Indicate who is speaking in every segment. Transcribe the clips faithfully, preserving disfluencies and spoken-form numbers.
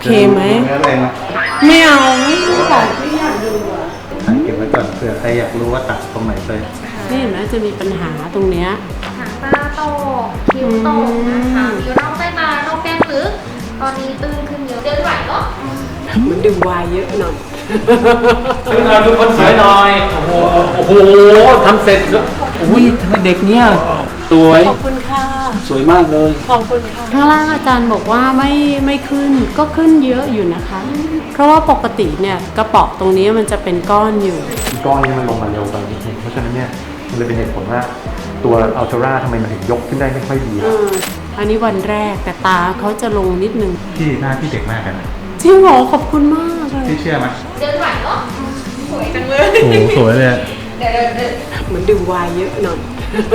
Speaker 1: เคไหมไม่เอาไม่อยากไม่อยากดูอ่ะ
Speaker 2: เก็บไว้ก่อนเผื่อใครอยากรู้ว่าตัดตรงไหนไป
Speaker 1: นี่เห็นไหมจะมีปัญหาตรงเนี้ย
Speaker 3: หางตาโตคิ้วโตนะคะมีร่องใต้ตาร่องแก้มลึกตอนนี้ตึงขึ้นเยอะเดินไหวเหรอ
Speaker 1: มันดื่มวายเยอะหน่อย
Speaker 4: ขึ้นมาดูคนสวยหน่อยโอ้โหโอ้โหทำเสร็จอุ้ยทำไมเด็กเนี้ยสวย
Speaker 1: ขอบคุณค่ะ
Speaker 4: สวยมากเลย
Speaker 1: ขอบคุณค่ะข้างล่างอาจารย์บอกว่าไม่ไม่ขึ้นก็ขึ้นเยอะอยู่นะคะเพราะว่าปกติเนี่ยกระเป๋อตรงนี้มันจะเป็นก้อนอยู่
Speaker 2: ก้อนนี้มันลงมาเร็วไปนิดนึงเพราะฉะนั้นเนี่ยมันเลยเป็นเหตุผลว่าตัวอัลตร้าทำไมมันถึงยกขึ้นได้ไม่ค่อยดี
Speaker 1: อันนี้วันแรกแต่ตาเขาจะลงนิดนึง
Speaker 2: ที่หน้าที่เด็กมากกันนะ
Speaker 1: จริงเหรอขอบคุณมากเลย
Speaker 2: ที่เชื่อไหม
Speaker 3: เดินไหวเหรอสวยจังเลย
Speaker 2: โอ้สวยเลย
Speaker 3: เดินเดิน
Speaker 1: เหมือนดื่มวายเยอะหน่อย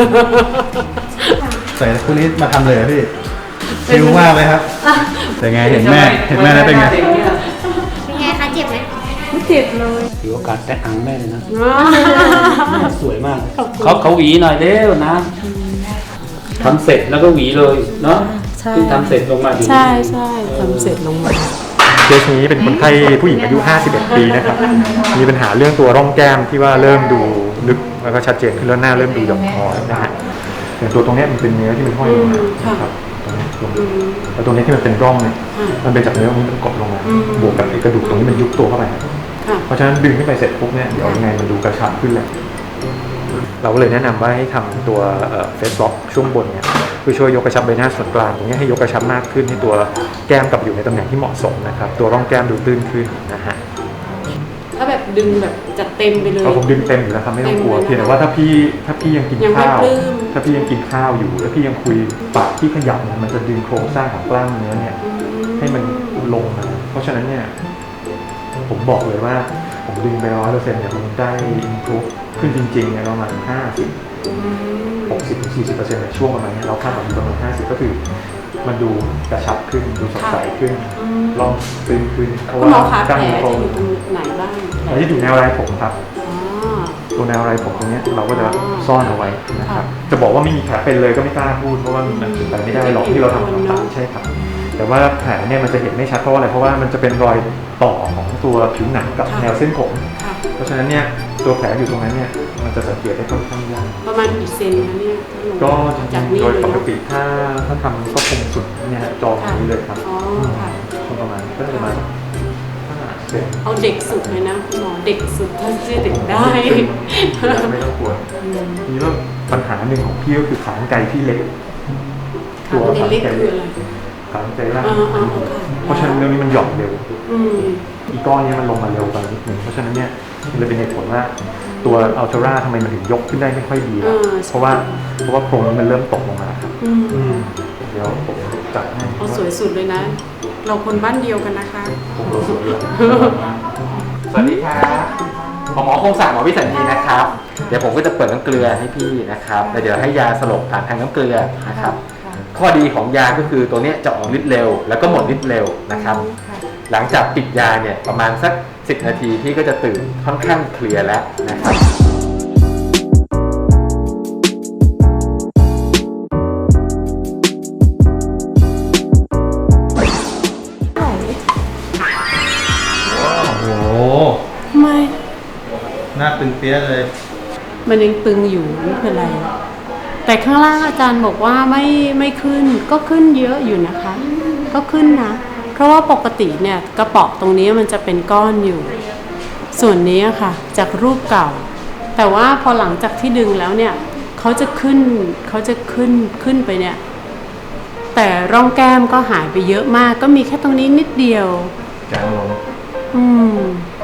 Speaker 2: ใส่คู่นี้มาทำเลยพี่ชิลมากเลยครับแต่ไงเห็นแม่เห็นแม่แล้วเป็นไง
Speaker 3: เป็นไงคะเจ็บไหม
Speaker 1: ไม่เจ็บเลย
Speaker 4: ถือโอกาสแตะอังแม่เลยนะสวยมากเขาเขาหวีหน่อยเด้วนะทำเสร็จแล้วก็หวีเลยเนาะที่ทำเสร็จลงมาดี
Speaker 1: ใช่ใช่ทำเสร็จลงมา
Speaker 2: เคสนี้เป็นคนไข้ผู้หญิงอายุห้าสิบเอ็ดปีนะครับมีปัญหาเรื่องตัวร่องแก้มที่ว่าเริ่มดูลึกแล้วก็ชัดเจนขึ้นแล้วหน้าเริ่มดูหย่อนคอนะฮะอย่างตัวตรงนี้มันเป็นเนื้อที่มันห้อยลงมาครับตรงนี้ตรงนี้แล้วตรงนี้ที่มันเป็นร่องเนี่ยมันเป็นจากเนื้อตรงนี้มันกดลงมาบวกกับไอ้กระดูกตรงนี้มันยุบตัวเข้าไปเพราะฉะนั้นดึงขึ้นไปเสร็จปุ๊บเนี่ยเดี๋ยวยังไงมันดูกระชับขึ้นแหละเราก็เลยแนะนำว่าให้ทำตัวเฟสล็อกช่วงบนเนี่ยเพื่อช่วยยกกระชับใบหน้าส่วนกลางตรงนี้ให้ยกกระชับมากขึ้นให้ตัวแก้มกลับอยู่ในตำแหน่งที่เหมาะสมนะครับตัวร่องแก้มดูตื้นขึ้นนะฮะ
Speaker 1: ถ้าแบบดึงแบบจัดเต็มไปเลย
Speaker 2: ผมดึงเต็มอยู่แล้วครับไม่ต้องกลัวเพียงแต่ว่าถ้าพี่ถ้าพี่ยังกินข้าวถ้าพี่ยังกินข้าวอยู่แล้วพี่ยังคุยปากที่ขยับเนี่ยมันจะดึงโครงสร้างของกล้ามเนื้อเนี่ยให้มันลงนะเพราะฉะนั้นเนี่ยผมบอกเลยว่าผมดึงไปร้อยเปอร์เซ็นต์เนี่ยมันได้อินพุขึ้นจริงๆเนี่ยประมาณห้าสิบหกสิบถึงสี่สิบเปอร์เซ็นต์ในช่วงประมาณนี้เราคาดหวังอยู่ประมาณห้าสิบก็คือมันดูกระชับขึ้นดูสดใสขึ้นลองตึงขึ้น
Speaker 1: เพราะว่ากล้ามเนื้อจะอยู่ตรงไหนบ้าง
Speaker 2: แผลที่อยู่แนวไรผมครับตัวแนวไรผมตรงนี้เราก็จะซ่อนเอาไว้นะครับจะบอกว่าไม่มีแผลเป็นเลยก็ไม่กล้าพูดเพราะว่ามันเป็นไปไม่ได้หรอกที่เราทำต่างๆใช่ครับแต่ว่าแผลเนี่ยมันจะเห็นไม่ชัดเพราะอะไรเพราะว่ามันจะเป็นรอยต่อของตัวผิวหนังกับแนวเส้นผมเพราะฉะนั้นเนี่ยตัวแผลอยู่ตรงนั้นเนี่ยมันจะสังเกตได้ค่อนข้างยาก
Speaker 1: ประมาณกี่เซนคะเนี่ย
Speaker 2: ก็จริงๆโดยปกติถ้าถ้าทำก็คงสุดเนี่ยจอนี้เลยครับ
Speaker 1: อ๋อค่ะ
Speaker 2: ประมาณก็ประมาณ
Speaker 1: เอาเด็กสุดเลยนะคุณหมอเด็กสุดท่านจะเด็กได้
Speaker 2: ไม่ต้องกลัวนี่ว่าปัญหาหนึ่งของพี่ก็คือขากรรไกรที่เล็ก
Speaker 1: ตัวขากรรไกรเล็ก
Speaker 2: ขากรรไกรล่างเพราะฉะนั้นเรื่องนี้มันหย่อนเร็วอีก้อนนี้มันลงมาเร็วไปนิดนึงเพราะฉะนั้นเนี่ยมันเลยเป็นเหตุผลว่าตัวอัลตร้าทำไมมันถึงยกขึ้นได้ไม่ค่อยดีเพราะว่าเพราะว่าโครงมันเริ่มตกลงมาครับเดี๋ยวผมจัดให้
Speaker 1: เอาสวยสุดเลยนะเราคนบ้านเดียวกันนะคะ
Speaker 4: สวัสดีครับหมอหมอคงศักดิ์หมอวิสัญญีนะครับเดี๋ยวผมก็จะเปิดน้ำเกลือให้พี่นะครับแล้วเดี๋ยวให้ยาสลบผ่านทางน้ำเกลือนะครับข้อดีของยาก็คือตัวนี้จะออกฤทธิ์เร็วแล้วก็หมดฤทธิ์เร็วนะครับหลังจากปิดยาเนี่ยประมาณสักสิบนาทีพี่ก็จะตื่นค่อนข้างเคลียร์แล้วนะครับ
Speaker 1: ไม่
Speaker 2: หน้าตึงเปี้ยเลย
Speaker 1: มันยังตึงอยู่ไม่เป็นไรแต่ข้างล่างอาจารย์บอกว่าไม่ไม่ขึ้นก็ขึ้นเยอะอยู่นะคะก็ขึ้นนะเพราะว่าปกติเนี่ยกระเป๋อตรงนี้มันจะเป็นก้อนอยู่ส่วนนี้ค่ะจากรูปเก่าแต่ว่าพอหลังจากที่ดึงแล้วเนี่ยเขาจะขึ้นเขาจะขึ้นขึ้นไปเนี่ยแต่ร่องแก้มก็หายไปเยอะมากก็มีแค่ตรงนี้นิดเดียว
Speaker 2: จางลง
Speaker 1: อืม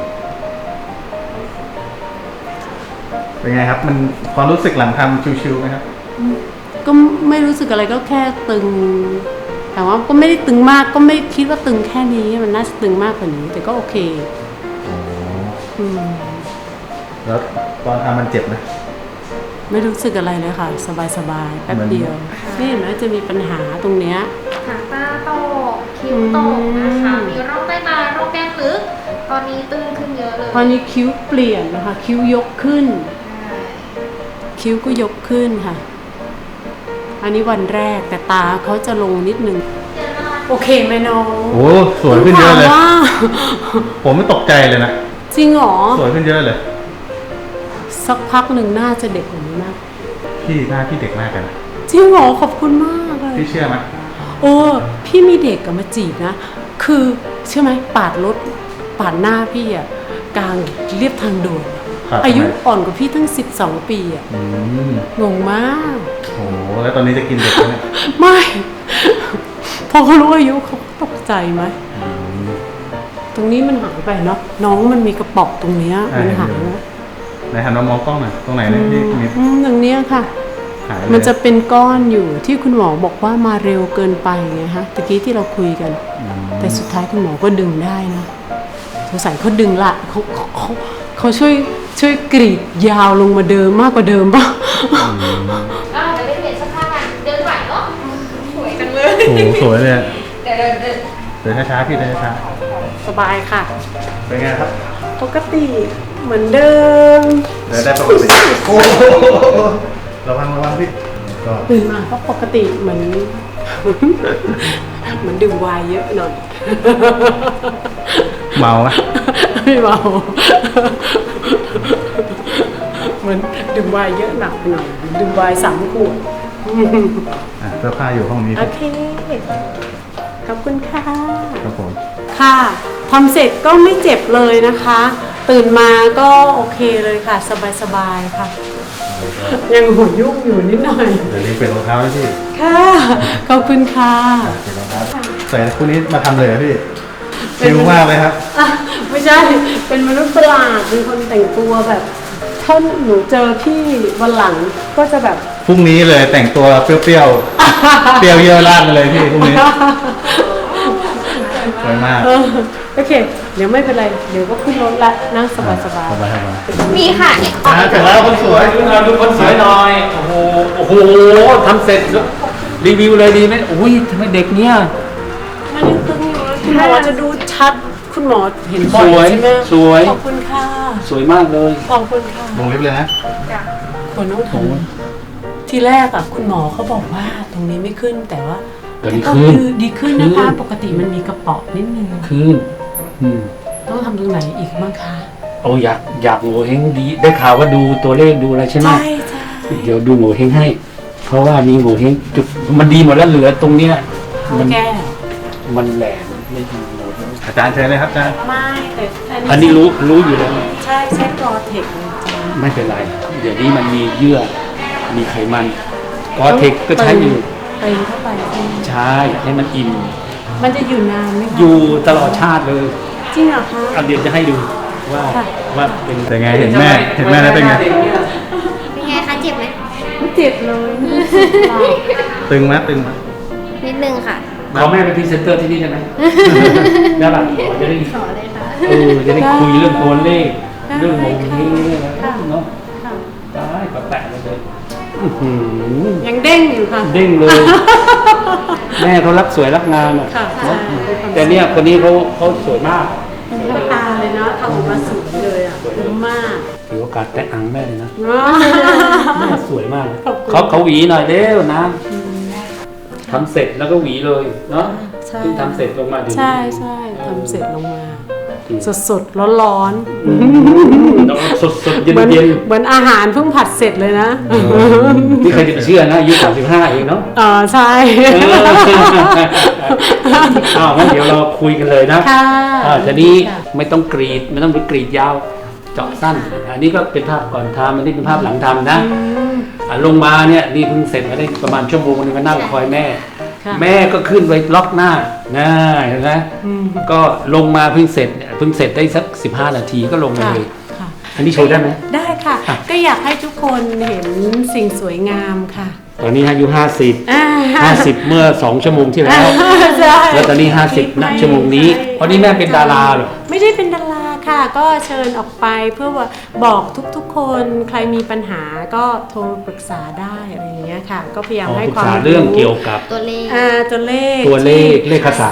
Speaker 2: เป็นไงครับมันความรู้สึกหลังทำชิวๆไหมครับ
Speaker 1: ก็ไม่รู้สึกอะไรก็แค่ตึงแต่ว่าก็ไม่ได้ตึงมากก็ไม่คิดว่าตึงแค่นี้มันน่าจะตึงมากกว่านี้แต่ก็โอเคอืม
Speaker 2: แล้วตอนทำมันเจ็บไหม
Speaker 1: ไม่รู้สึกอะไรเลยค่ะสบายๆแป๊บเดียวนี่เห็นไหมจะมีปัญหาตรงเนี้ย
Speaker 3: หางตาโตคิ้วโตนะคะมีร่องใต้ตาร่องแก้มลึกตอนนี้ตึงขึ้นเยอะเลย
Speaker 1: ตอนนี้คิ้วเปลี่ยนนะคะคิ้วยกขึ้นคิ้วก็ยกขึ้นค่ะอันนี้วันแรกแต่ตาเขาจะลงนิดนึง
Speaker 3: เดี๋ยวรอ
Speaker 1: โอเคไหมน้อง
Speaker 5: โอ้สวยขึ้นเยอะเลย
Speaker 1: ถามว่า
Speaker 5: ผมไม่ตกใจเลยนะ
Speaker 1: จริงเหรอ
Speaker 5: สวยขึ้นเยอะเลย
Speaker 1: สักพักหนึ่งน่าจะเด็กกว่านี้นะ
Speaker 5: พี่หน้าพี่เด็กมากเลยนะ
Speaker 1: จริงเหรอขอบคุณมากเลย
Speaker 5: พี่เชื่อไหม
Speaker 1: โอ้พี่มีเด็กกับมาจีบนะ คือเชื่อไหมปาดรถปาดหน้าพี่อะกลางเรียบทางด่วน
Speaker 5: ครับ
Speaker 1: อายุอ่อนกว่าพี่ตั้งสิบสองปีอะ
Speaker 5: อืม
Speaker 1: งงมาก
Speaker 5: โอ้โหแล้วตอนนี้จะกินเด็กแล้วเนี่ย
Speaker 1: ไม่ พอเขารู้อายุเขาตกใจไหม
Speaker 5: อืม
Speaker 1: ตรงนี้มันหายไปเนาะน้องมันมีกระป๋องตรงเนี้ย
Speaker 5: ใช่
Speaker 1: มันหายนะ
Speaker 5: ไหนหันมามองกล้องหน่อยตรงไหนเนี่ยพี่มี
Speaker 1: อืมตรงเนี้ยค่ะ
Speaker 5: หายเลย
Speaker 1: มันจะเป็นก้อนอยู่ที่คุณหมอบอกว่ามาเร็วเกินไปไงฮะตะกี้ที่เราคุยกัน
Speaker 5: อืม
Speaker 1: แต่สุดท้ายคุณหมอก็ดึงได้นะสงสัยเขาดึงละเขาเขาเขาเขาช่วยช่วยกรีดยาวลงมาเดิมมากกว่าเดิมป่ะ
Speaker 3: ก็เดี๋ยวไปเปลี่ยนเสื้อผ้ากันเดินไหวเนาะสวยจังเลย
Speaker 5: โอ้โหสวยเลยอะ
Speaker 3: เดี๋ยวเดินเดิน
Speaker 5: เดินช้าๆพี่เดินช้า
Speaker 1: สบายค่ะ
Speaker 5: ๆเป็นไงครับ
Speaker 1: ปกติเหมือนเดิม
Speaker 5: เดินได้ปกติโอ้โหระวังระวังพี่ก็
Speaker 1: ตื่นมาก็ปกติเหมือน เหมือนดื่มไวน์เยอะหน่อย
Speaker 5: เมาไหม
Speaker 1: ไม่เมาเหมือนดื่มไวน์เยอะหนักไปหน่อยดื่มไวน์สามขวด
Speaker 5: อ่ะเสื้อผ้าอยู่ห้องนี้
Speaker 1: โอเค ขอบคุณค่ะ
Speaker 5: ครับผม
Speaker 1: ค่ะทำเสร็จก็ไม่เจ็บเลยนะคะ ตื่นมาก็โอเคเลยค่ะ สบายๆค่ะ ยังหัวยุ่งอยู่นิดหน่อย
Speaker 5: เดี๋ยวนี้เปลี่ยนรองเท้าให้พี่
Speaker 1: ค่ะ ขอบคุณค่ะ
Speaker 5: เปลี่ยนรองเท้าใส่คู่นี้มาทำเลยเหรอพี่ชิลมากเลยครับ
Speaker 1: อ่ะไม่ใช่ เป็นมนุษย์ประหลาดเป็นคนแต่งตัวแบบถ้าหนูเจอพี่วันหลังก็จะแบบ
Speaker 5: พรุ่งนี้เลยแต่งตัวเปรี้ยวๆ เปรี้ยวเยอะราดมาเลยพี่พรุ่งนี้สวยมาก
Speaker 1: เออโอเค เดี๋ยวไม่เป็นไร เดี๋ยวก็ขึ้นรถละนั่งสบายๆ
Speaker 5: สบายสบาย
Speaker 3: มีค่ะเนี่ย
Speaker 5: อ่ะเสร็จแล้วคนสวย
Speaker 4: ดูหน่อยดูคนสวยหน่อย โอ้โห โอ้โหทำเสร็จรีวิวเลยดีไหมอุ้ยทำไมเด็กเนี้ย
Speaker 1: มันยังตึงอยู่เลยคุณหมอจะดูชัด คุณหมอเห็นบ่อ
Speaker 4: สวย
Speaker 1: ยใช่ไหม
Speaker 4: สวย
Speaker 1: ขอบคุณค่ะ
Speaker 4: สวยมากเลย
Speaker 1: ขอบคุณค่ะ
Speaker 5: ลงลิฟต์เลยนะ
Speaker 1: คนต้องทำทีแรกอะคุณหมอเขาบอกว่าตรงนี้ไม่ขึ้นแต่ว่า
Speaker 4: เดี๋ยวนี้
Speaker 1: ก็
Speaker 4: ขึ้น
Speaker 1: คือดีขึ้นนะคะ
Speaker 4: ขึ้น
Speaker 1: ปกติมันมีกระเป๋อนิดนึง
Speaker 4: คืนอืม
Speaker 1: ต้องทำตรงไหนอีกบ้างคะ
Speaker 4: โอ้อยากอยากโง่เฮงดี ได้ข่าวว่าดูตัวเลขดูอะไรใช่ไหม
Speaker 1: ใช่ใช่
Speaker 4: เดี๋ยวดูโง่เฮงให้ เพราะว่ามีโง่เฮงจุดมันดีหมดแล้วเหลือตรงเนี้ย
Speaker 1: มั
Speaker 4: มัน
Speaker 1: แก้
Speaker 4: มันแหลมไม่ดีโง่เฮง
Speaker 5: อาจารย์เชิญเลยครับอาจารย์
Speaker 1: ไม่แต่
Speaker 4: อันนี้รู้รู้อยู่แล้ว
Speaker 1: ใช่ใช้กรอเทคเลยจ้ะ
Speaker 4: ไม่เป็นไร เดี๋ยวนี้มันมีเยื่อ มีไขมันกอเทคก็ใช้อยู่
Speaker 1: เติมเข้าไปใช่ไหม
Speaker 4: ใช่ให้มันอิ่ม
Speaker 1: มันจะอยู่นานไหมคะ
Speaker 4: อยู่ตลอดชาติเลย
Speaker 1: จริงเหรอคะ
Speaker 4: เอาเดี๋ยวจะให้ดูว่า
Speaker 1: ค่ะ
Speaker 4: ว่าเป็น
Speaker 5: เป็นไงเห็นแม่เห็นแม่แล้วเป็นไง
Speaker 3: เป็นไงคะเจ็บไหม
Speaker 1: ไม่เจ็บเลยไม่เจ็บหรอก
Speaker 5: ตึงไหมตึงไหม
Speaker 3: นิดนึงค่ะ
Speaker 4: ขอแม่เป็นพรีเซนเตอร์ที่นี่ได้ไหม ได้ป่ะจะได้
Speaker 3: ขอเลยค่ะ
Speaker 4: เออจะได้คุยเรื่องตัวเลข เรื่องโมงเฮงเรื่องอะไร
Speaker 1: ค่ะ
Speaker 4: เนาะ
Speaker 1: ค่ะ
Speaker 4: ได้ก็แปะเลยเลยอื้อหือ
Speaker 1: ยังเด้งอยู่ค่ะ
Speaker 4: เด้งเลย แม่เขารักสวยรักงามอ่ะ
Speaker 1: ค่ะ
Speaker 4: เนอะ
Speaker 1: ใช่
Speaker 4: แต่เนี่ยคนนี้เขาเขาสวยมาก
Speaker 1: น้ำตาเลยนะทำออกมาสวยเลยอ่ะคุ้มมาก
Speaker 4: ถือโอกาสแต่อังแม่เลยนะ
Speaker 1: ว้า
Speaker 4: แม่สวยมาก
Speaker 1: ขอบคุณ
Speaker 4: เขาเขาหวีหน่อยเร็วนะทำเสร็จแล้วก็หวีเลยเนาะ
Speaker 1: ใช่
Speaker 4: เพิ่งทำเสร็จลงมาเดี๋ยวนี้
Speaker 1: ใช่ใช่ทำเสร็จลงมา สดสดร้อนร้อน
Speaker 4: สดสดๆ
Speaker 1: ๆ
Speaker 4: เย็น
Speaker 1: เหมือน
Speaker 4: เย็น
Speaker 1: เหมือนอาหารเพิ่งผัดเสร็จเลยนะ
Speaker 4: นี่ใครจะไปเชื่อนะอายุสามสิบห้าเองเนาะ
Speaker 1: เออใช่
Speaker 4: เอออ้าวงั้นเดี๋ยวเราคุยกันเลยนะ
Speaker 1: ค่ะ
Speaker 4: อ่าทีนี้
Speaker 1: ค่ะ
Speaker 4: ไม่ต้องกรีดไม่ต้องไปกรีดยาวเจาะสั้น อันนี้ก็เป็นภาพก่อนทำอันนี้เป็นภาพหลังทำนะ
Speaker 1: อืม
Speaker 4: อ่ะลงมาเนี่ยนี่เพิ่งเสร็จมาได้ประมาณชั่วโมงนึงก็นั่งคอยแม่
Speaker 1: ค่ะ
Speaker 4: แม่ก็ขึ้นไปล็อกหน้านะเห็นไหม
Speaker 1: อืม
Speaker 4: ก็ลงมาเพิ่งเสร็จเนี่ยเพิ่งเสร็จได้สักสิบห้านาทีก็ลงมา
Speaker 1: ค่ะ
Speaker 4: เลย
Speaker 1: ค่ะ
Speaker 4: อันนี้โชว์ได้ไหม
Speaker 1: ได้ค่ะ
Speaker 4: อ่ะ
Speaker 1: ก็อยากให้ทุกคนเห็นสิ่งสวยงามค่ะ
Speaker 4: ตอนนี้อายุห้าสิบ
Speaker 1: อ่า
Speaker 4: ห้าสิบเมื่อสองชั่วโมงที่แล้ว
Speaker 1: ใช่
Speaker 4: แล้วตอนนี้ห้าสิบณชั่วโมงนี้เพราะนี่แม่เป็นดาราเหรอ
Speaker 1: ไม่ได้เป็นดาราค่ะ ก็เชิญออกไปเพื่อว่าบอกทุกๆ คนใครมีปัญหาก็โทรปรึกษาได้อะไรอย่างเงี้ยค่ะ ก็พยายาม
Speaker 4: อ๋อ
Speaker 1: ให้
Speaker 4: ปรึก
Speaker 1: ความ
Speaker 4: ษาเรื่องเกี่ยวกับ
Speaker 3: ตัวเลข
Speaker 1: อ่าตัวเลข
Speaker 4: ตัวเลขเลขศาสตร์
Speaker 1: เ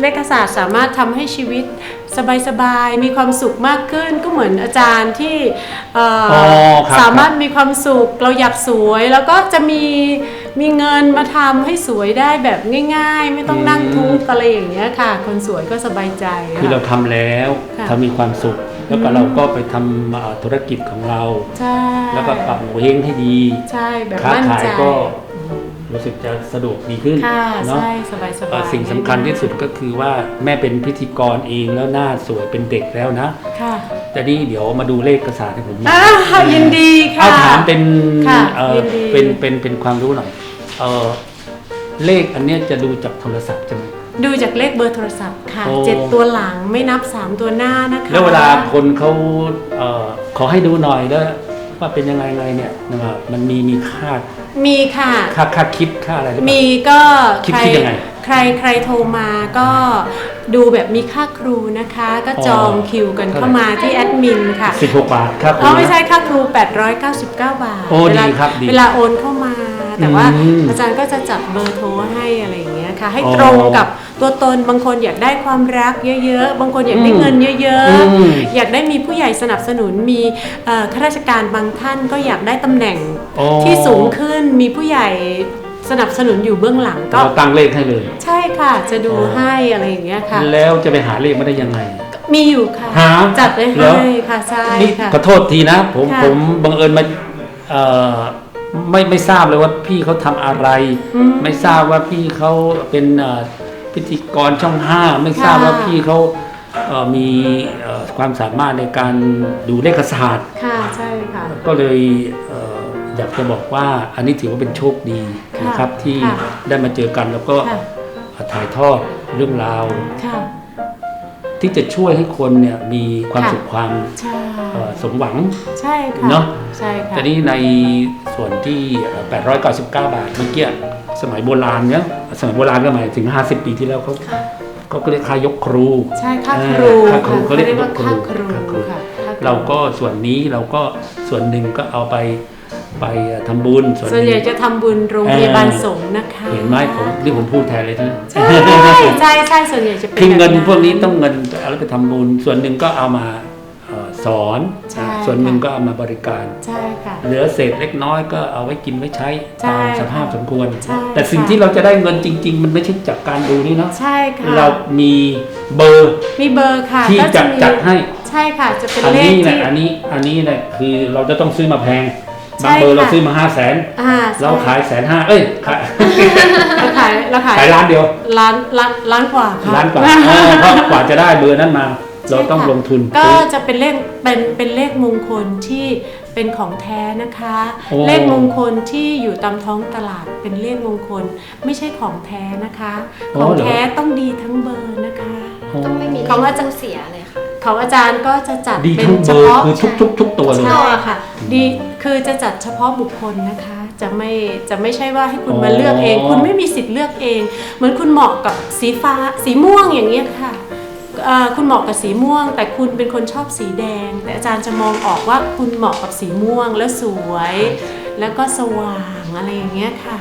Speaker 1: เลขศาสตร์สามารถทำให้ชีวิตสบายๆมีความสุขมากขึ้นก็เหมือนอาจารย์ที่เอ่อ
Speaker 6: อ๋อครับ
Speaker 1: สามารถมีความสุขเราอยากสวยแล้วก็จะมีมีเงินมาทำให้สวยได้แบบง่ายๆ ไม่ต้องนั่งทุกข์อะไรอย่างเงี้ยค่ะ คนสวยก็สบายใจ
Speaker 6: คือเรา
Speaker 1: ค่ะ
Speaker 6: ทำแล้ว
Speaker 1: ค่ะ
Speaker 6: ทำมีความสุข แล้วก็เราก็ไปทำเอ่อธุรกิจของเรา
Speaker 1: ใช่
Speaker 6: แล้วก็ปรับโงเฮงให้ดี
Speaker 1: ใช่แบบ
Speaker 6: ค้า
Speaker 1: มั่น
Speaker 6: ขาย
Speaker 1: ใจ
Speaker 6: ก็รู้สึกจะสะดวกดีขึ้น
Speaker 1: ค่ะ
Speaker 6: เนาะ
Speaker 1: ใช่สบายส
Speaker 6: เอ่
Speaker 1: บา
Speaker 6: อย สิ่งสำคัญที่สุดก็คือว่าแม่เป็นพิธีกรเองแล้วหน้าสวยเป็นเด็กแล้วนะ
Speaker 1: ค่ะ
Speaker 6: แต่นี่เดี๋ยวมาดูเลขกระสาให้ผมหน่อย
Speaker 1: อ่ายินดีค่ะ
Speaker 6: เอาถามเป็น
Speaker 1: ค่ะ
Speaker 6: เอ่อ
Speaker 1: ยินดี
Speaker 6: เป็นเป็นเป็นความรู้หน่อยเออเลขอันเนี้ยจะดูจากโทรศัพท์ใช่ไหม
Speaker 1: ดูจากเลขเบอร์โทรศัพท์ค่ะ
Speaker 6: โอ้
Speaker 1: เจ็ดตัวหลังไม่นับสามตัวหน้านะคะ
Speaker 6: แล้วเวลาคนเขาเอ่อขอให้ดูหน่อยแล้วว่าเป็นยังไงไงเนี่ยนะครับมันมีมีค่า
Speaker 1: มีค่ะ
Speaker 6: ค่าค่าคิดค่าอะไรหรือเปล่า
Speaker 1: มีก็
Speaker 6: คิด
Speaker 1: ใคร
Speaker 6: คิดยังไง
Speaker 1: ใครใครโทรมาก็ดูแบบมีค่าครูนะคะ ก็จอง
Speaker 6: อ๋อ
Speaker 1: คิวกัน
Speaker 6: เท่าไหร่
Speaker 1: เข้ามาที่แอดมินค่ะ
Speaker 6: สิบหกบาทครับ
Speaker 1: อ๋อไม่ใช่ค่าครูแปดร้อยเก้าสิบเก้าบาท
Speaker 6: โอ้
Speaker 1: เวลา
Speaker 6: ดีครับดี
Speaker 1: เวลาโอนเข้ามา แต่ว่า
Speaker 6: อืม
Speaker 1: อาจารย์ก็จะจัดเบอร์โทรให้อะไรอย่างเงี้ยค่ะ ให้
Speaker 6: อ๋อ
Speaker 1: ตรงกับตัวตนบางคนอยากได้ความรักเยอะๆ บางคนอยากได้
Speaker 6: อืม
Speaker 1: เงินเยอะ
Speaker 6: อืม
Speaker 1: ๆ อยากได้มีผู้ใหญ่สนับสนุนมีเอ่อข้าราชการบางท่านก็อยากได้ตำแหน่ง
Speaker 6: โอ้
Speaker 1: ที่สูงขึ้นมีผู้ใหญ่สนับสนุนอยู่เบื้องหลังก็
Speaker 6: เราตั้งเลขให้เลย
Speaker 1: ใช่ค่ะจะดู
Speaker 6: อ๋อ
Speaker 1: ให้อะไรอย่างเงี้ยค่ะ
Speaker 6: แล้วจะไปหาเลขมาได้ยังไง
Speaker 1: มีอยู่ค่ะ
Speaker 6: หา
Speaker 1: จัดไว้
Speaker 6: เหรอ
Speaker 1: ให้ค่ะใช่
Speaker 6: นี่
Speaker 1: ค่ะ
Speaker 6: ขอโทษทีนะ ผม
Speaker 1: ค่ะ
Speaker 6: ผมบังเอิญมาเอ่อไม่ไม่ทราบเลยว่าพี่เขาทำอะไร
Speaker 1: อืม
Speaker 6: ไม่ทราบว่าพี่เขาเป็นเอ่อพิธีกรช่องห้าไม่ทราบ
Speaker 1: ค่ะ
Speaker 6: ว่าพี่เขาเอ่อมีเอ่อความสามารถในการดูเลขศาสตร์
Speaker 1: ค่ะใช่ค่ะ
Speaker 6: ก็เลยเอ่ออยากจะบอกว่าอันนี้ถือว่าเป็นโชคดี
Speaker 1: ค่ะ
Speaker 6: นะครับที่
Speaker 1: ค่ะ
Speaker 6: ได้มาเจอกันแล้วก็
Speaker 1: ค่ะ
Speaker 6: ถ่ายทอดเรื่องราว
Speaker 1: ค่ะ
Speaker 6: ที่จะช่วยให้คนเนี่ยมีความ
Speaker 1: ค่ะ
Speaker 6: สุขความ
Speaker 1: ใช่
Speaker 6: เอ่อสมหวัง
Speaker 1: ใช่ค่ะ
Speaker 6: เนอะ
Speaker 1: ใช่ค่ะ
Speaker 6: แต่นี่ในส่วนที่เอ่อแปดร้อยเก้าสิบเก้า บาทเมื่อกี้สมัยโบราณเนี่ยสมัยโบราณก็หมายถึงห้าสิบปีที่แล้วเขาเขาก็เรียกค่ายกครู
Speaker 1: ใช่ค่า
Speaker 6: เอ
Speaker 1: ค
Speaker 6: อ
Speaker 1: รู
Speaker 6: ค่าครู
Speaker 1: ค่ะ
Speaker 6: เขาเรียก
Speaker 1: ว่า
Speaker 6: ครู
Speaker 1: ค่าครู
Speaker 6: ค่าครู
Speaker 1: ค่ะค่ค
Speaker 6: เราก็ส่วนนี้เราก็ส่วนหนึ่งก็เอาไปไปทำบุญส่วน
Speaker 1: ส่วน
Speaker 6: ห
Speaker 1: ใหญ่
Speaker 6: นึ่ง
Speaker 1: จะทำบุญโรงพยาบาลสงฆ์นะคะ
Speaker 6: เห็นไหมผมนี่ผมพูดแทนเลยนะ
Speaker 1: ใช่ใช่ใช่ส่วนใหญ่จะเป็น
Speaker 6: คือเงิน
Speaker 1: แบบ
Speaker 6: พวกนี้ต้องเงินเอาไปทำบุญส่วนหนึ่งก็เอามาเอ่อสอน
Speaker 1: ใช่
Speaker 6: ส่วนหนึ่ง
Speaker 1: ค่ะ
Speaker 6: ก็เอามาบริการ
Speaker 1: ใช่ค่ะ
Speaker 6: เหลือเศษเล็กน้อยก็เอาไว้กินไว้ใช้
Speaker 1: ใช่
Speaker 6: ตามสภาพสมควร
Speaker 1: ใช่
Speaker 6: แต่สิ่ง
Speaker 1: ค่ะ
Speaker 6: ที่เราจะได้เงินจริง ๆ มันไม่ใช่จากการดูนี่เนาะ
Speaker 1: ใช่ค่ะ
Speaker 6: เรามีเบอร์
Speaker 1: มีเบอร์ค่ะ
Speaker 6: ที่
Speaker 1: ก็
Speaker 6: จะ
Speaker 1: มี
Speaker 6: จัดให้
Speaker 1: ใช่ค่ะจะเป็น
Speaker 6: อัน
Speaker 1: เลข
Speaker 6: นี้แหละ
Speaker 1: ที่
Speaker 6: อันนี้อันนี้แหละคือเราจะต้องซื้อมาแพง
Speaker 1: ใช่
Speaker 6: บางเบอร์เรา
Speaker 1: ค่ะ
Speaker 6: ซื้อมาห้าแสน
Speaker 1: อ่าใช่
Speaker 6: เราขายแสนห้าเอ้ยขาย
Speaker 1: เราขายเราขาย
Speaker 6: ขายล้านเดียว
Speaker 1: ล้านล้านล้านกว่าค่ะ
Speaker 6: ล้านกว่าเออเพราะกว่าจะได้เบอร์นั้นมา เราต้อง
Speaker 1: ใช่ค่ะ
Speaker 6: ลงทุน
Speaker 1: ก็
Speaker 6: ซื้อ
Speaker 1: จะเป็นเลขเป็นเป็นเลขมงคลที่เป็นของแท้นะคะ
Speaker 6: โอ้
Speaker 1: เลขมงคลที่อยู่ตามท้องตลาดเป็นเลขมงคล ไม่ใช่ของแท้นะคะ ของแท้ต้องดีทั้งเบอร์นะคะ
Speaker 3: ต้องไม่มี
Speaker 1: ของอาจารย์
Speaker 3: เลขเสียเลยค่ะ
Speaker 1: ของอาจารย์ก็จะจัด
Speaker 6: ดี
Speaker 1: เป็น
Speaker 6: ทุกเบ
Speaker 1: เฉ
Speaker 6: อร์
Speaker 1: พาะ
Speaker 6: คือทุกทุกทุกตัวเลย
Speaker 1: ใช่ค่ะดีคือจะจัดเฉพาะบุคคลนะคะ จะไม่จะไม่ใช่ว่าให้คุณมาเลือกเอง คุณไม่มีสิทธิ์เลือกเอง เหมือนคุณเหมาะกับสีฟ้าสีม่วงอย่างเงี้ยค่ะเอ่อคุณเหมาะกับสีม่วง แต่คุณเป็นคนชอบสีแดง แต่อาจารย์จะมองออกว่าคุณเหมาะกับสีม่วงแล้วสวย แล้วก็สว่างอะไรอย่างเงี้ยค่ะ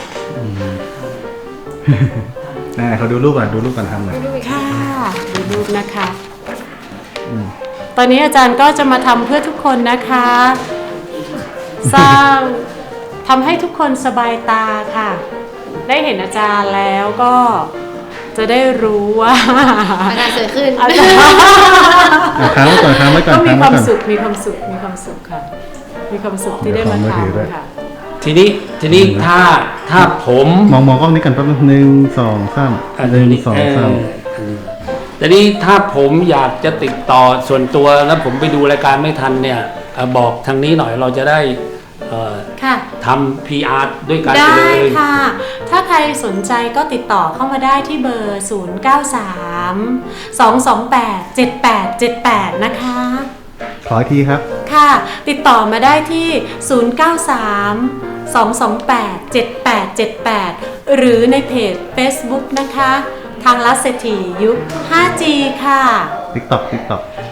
Speaker 5: อ่าเขาดูรูปก่อนดูรูปก่อนทำหน่อย
Speaker 1: ค่ะดูรูปนะคะ ตอนนี้อาจารย์ก็จะมาทำเพื่อทุกคนนะคะ สร้างทำให้ทุกคนสบายตาค่ะ ได้เห็นอาจารย์แล้วก็จะได้รู้ว่า
Speaker 3: อาการสวยขึ้น
Speaker 1: อาจารย์
Speaker 5: อ่ะค้างไว้ก่อนค้างไว้ก่อน
Speaker 1: ก็มี
Speaker 5: ค้าง
Speaker 1: ค
Speaker 5: ไว้
Speaker 1: วาม
Speaker 5: ก่อน
Speaker 1: สุขมีความสุขมีความสุขค่ะ มีความสุขที่ได้มา
Speaker 5: เดี๋ยวขอมือถือด้วย
Speaker 1: ทำค่ะ
Speaker 6: ทีนี้ทีนี้ถ้าถ้าผม
Speaker 5: มองมองกล้องนี้กันแป๊บนึงหนึ่งสองสาม
Speaker 6: อัน
Speaker 5: หนึ่ง
Speaker 6: นี้
Speaker 5: สอง
Speaker 6: เออ
Speaker 5: สาม
Speaker 6: อันนี้แต่นี้ถ้าผมอยากจะติดต่อส่วนตัวแล้วผมไปดูรายการไม่ทันเนี่ยเอ่อบอกทางนี้หน่อยเราจะได้เอ่อ
Speaker 1: ค่ะ
Speaker 6: ทำ พี อาร์ ด้วยกันไป
Speaker 1: ได้
Speaker 6: เลย
Speaker 1: ค่ะ ถ้าใครสนใจก็ติดต่อเข้ามาได้ที่เบอร์ ศูนย์ เก้า สาม สอง สอง แปด เจ็ด แปด เจ็ด แปด นะคะ
Speaker 5: ขออีกทีครับ
Speaker 1: ค่ะ ติดต่อมาได้ที่ ศูนย์ เก้า สาม สอง สอง แปด เจ็ด แปด เจ็ด แปด หรือในเพจ Facebook นะคะ ทางรัศเศรษฐียุค ห้าจี ค่ะ
Speaker 5: TikTok TikTok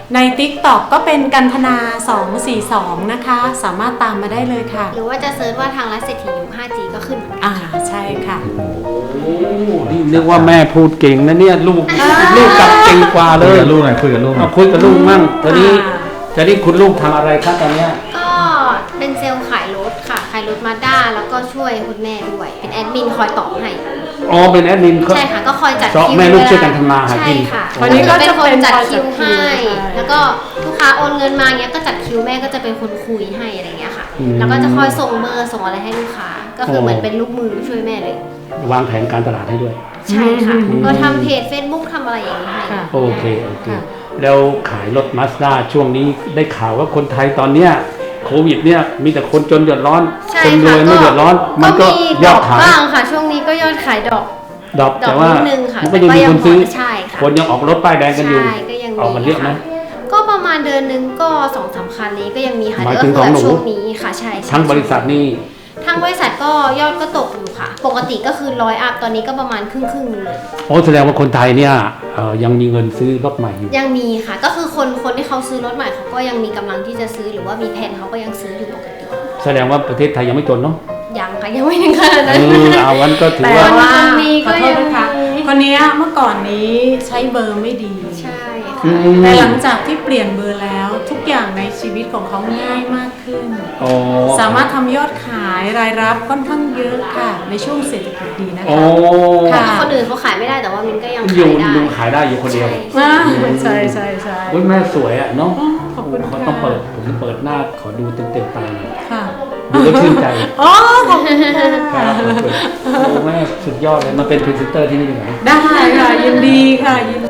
Speaker 1: ใน TikTok ก็เป็นกันธนาสองสี่สองนะคะ สามารถตามมาได้เลยค่ะ
Speaker 3: หรือว่าจะเซิร์ชว่าทางรัฐเศรษฐียุค ห้าจี ก็ขึ้นเหมือนกัน
Speaker 1: อ่าใช่ค่ะ
Speaker 6: โอ้นี่นึกว่าแม่พูดเก่งนะเนี่ยลูกลูกกลับเก่งกว่าเล
Speaker 5: คุย
Speaker 6: ย
Speaker 5: กับลูกหน่อยคุยกับลูกหน่
Speaker 6: เอา
Speaker 5: อย
Speaker 6: คุยกับลูกมั่งตอนนี้
Speaker 1: อ่า
Speaker 6: ตอนนี้คุณลูกทำอะไรครับตอนเนี้ย
Speaker 3: ก็เป็นเซลล์ขายรถค่ะ ขายรถมาด้าแล้วก็ช่วยคุณแม่ด้วย เป็นแอดมินคอยตอบให้
Speaker 6: อ๋อเป็นแอดมินเขา
Speaker 3: ใช่ค่ะ ก็คอยจัด
Speaker 6: เพราะ
Speaker 3: คิว
Speaker 6: แม่ลูกช่วยกันทำมาหากิน
Speaker 3: ใช่ค่ะ
Speaker 1: วันนี้ก็
Speaker 3: เป็น
Speaker 1: จะ
Speaker 3: คน
Speaker 1: เป็น
Speaker 3: จัด
Speaker 1: คอยจัด
Speaker 3: คิวให้
Speaker 1: คิวใช่
Speaker 3: แล้วก็ลูกค้าโอนเงินมาเงี้ยก็จัดคิวแม่ก็จะเป็นคนคุยให้อะไรเงี้ยค่ะ
Speaker 6: อืม
Speaker 3: แล้วก็จะคอยส่งเบอร์ส่งอะไรให้ลูกค้า ก็คือเหมือนเป็นลูกมือช่วยแม่เลย
Speaker 6: วางแผนการตลาดให้ด้วย
Speaker 3: ใช่ค่ะ
Speaker 6: อืม
Speaker 3: ก็ทำเพจ Facebook ทำอะไรอย่างนี้ให้
Speaker 1: ค่ะ
Speaker 6: โอเคโอเค
Speaker 1: ค่ะ
Speaker 6: แล้วขายรถมาสด้าช่วงนี้ได้ข่าวว่าคนไทยตอนเนี้ยโควิดเนี่ยมีแต่คนจนเดือดร้อน
Speaker 3: ใช่
Speaker 6: คนร
Speaker 3: ค่ะ
Speaker 6: วยไม่เดือดร้อน มันก็
Speaker 3: มี
Speaker 6: ย
Speaker 3: ด
Speaker 6: อ
Speaker 3: อ
Speaker 6: ด
Speaker 3: ก
Speaker 6: ขาย
Speaker 3: บ้างค่ะ ช่วงนี้ก็ยอดขายดอก
Speaker 6: ดอก
Speaker 3: ดอก
Speaker 6: แต่ว่า
Speaker 3: นิดนึงค่ะ
Speaker 6: มันก็ยังมีคนซื้อ
Speaker 3: ใช่ค่ะ
Speaker 6: คนยังออกรถป้ายแดงกันอยู่
Speaker 3: ใช่ก็ยังมี
Speaker 6: ออกกันเยอะไหม
Speaker 3: ค่ก็ประมาณเดือนหนึงก็สองสามคันนี้ก็ยังมีค่ะ
Speaker 6: หมาย
Speaker 3: ก็
Speaker 6: ถึง
Speaker 3: คือ
Speaker 6: ของหนู
Speaker 3: ช่วงนี้ค่ะใช่ใช่
Speaker 6: ทั้งบริษัทนี่
Speaker 3: ทั้งบริษัทก็ยอดก็ตกอยู่ค่ะ ปกติก็คือร้อยอัพตอนนี้ก็ประมาณครึ่งครึ่งๆหนึงเลย
Speaker 6: โอ้แสดงว่าคนไทยเนี่ยเอ่อยังมีเงินซื้อรถใหม่อยู่
Speaker 3: ยังมีค่ะ ก็คือคนคนที่เขาซื้อรถใหม่เขาก็ยังมีกำลังที่จะซื้อหรือว่ามีแผนเขาก็ยังซื้ออยู่ปกติ
Speaker 6: แสดงว่าประเทศไทยยังไม่จนเนาะ
Speaker 3: ยังค่ะยังไม่ถึงขนาด
Speaker 6: เอ
Speaker 3: นั้น
Speaker 6: อเอาวันก็ถือ
Speaker 1: แต่
Speaker 6: ว่า
Speaker 1: ว่า
Speaker 3: คนมี
Speaker 1: ข
Speaker 3: ก็
Speaker 1: อโท
Speaker 3: ยั
Speaker 1: ษ
Speaker 3: ง
Speaker 1: นะคะ คนเนี้ยเมื่อก่อนนี้ใช้เบอร์ไม่ดี
Speaker 3: ใช่
Speaker 6: อื
Speaker 3: ค่ะ
Speaker 6: ม
Speaker 1: แต่หลังจากที่เปลี่ยนเบอร์แล้ว ทุกอย่างในชีวิตของเขาง่ายมากขึ้น
Speaker 6: โอ้
Speaker 1: สามารถทำยอดขายรายรับค่อนข้างเยอะค่ะ ในช่วงเศรษฐกิจดีนะ
Speaker 6: โอ้
Speaker 1: คะ ค่ะ
Speaker 3: คนอื่นเขาขายไม่ได้แต่ว่ามินก็ยัง
Speaker 6: อ
Speaker 3: ขา
Speaker 6: ยู่
Speaker 3: ยได้
Speaker 6: ดูขายได้อยู่คนเดียว
Speaker 3: ใช่
Speaker 1: อ่าใช่ใช่ใช่
Speaker 6: โอ้ยแม่สวยอ่ะเนาะ
Speaker 1: อ๋อขอบคุณ
Speaker 6: เขา
Speaker 1: ค่ะ
Speaker 6: ต้องเปิดผมเปิดหน้าขอดูเต็มเต็มๆตาหน่อย
Speaker 1: ค่ะ
Speaker 6: ดูแล้วชื่นใจ
Speaker 1: อ๋อขอบคุณค่ะ
Speaker 6: ครับโอ้แม่สุดยอดเลยมาเป็นพรีเซนเตอร์ที่นี่ดีกว่า
Speaker 1: ได้ค่ะยินดีค่ะยิน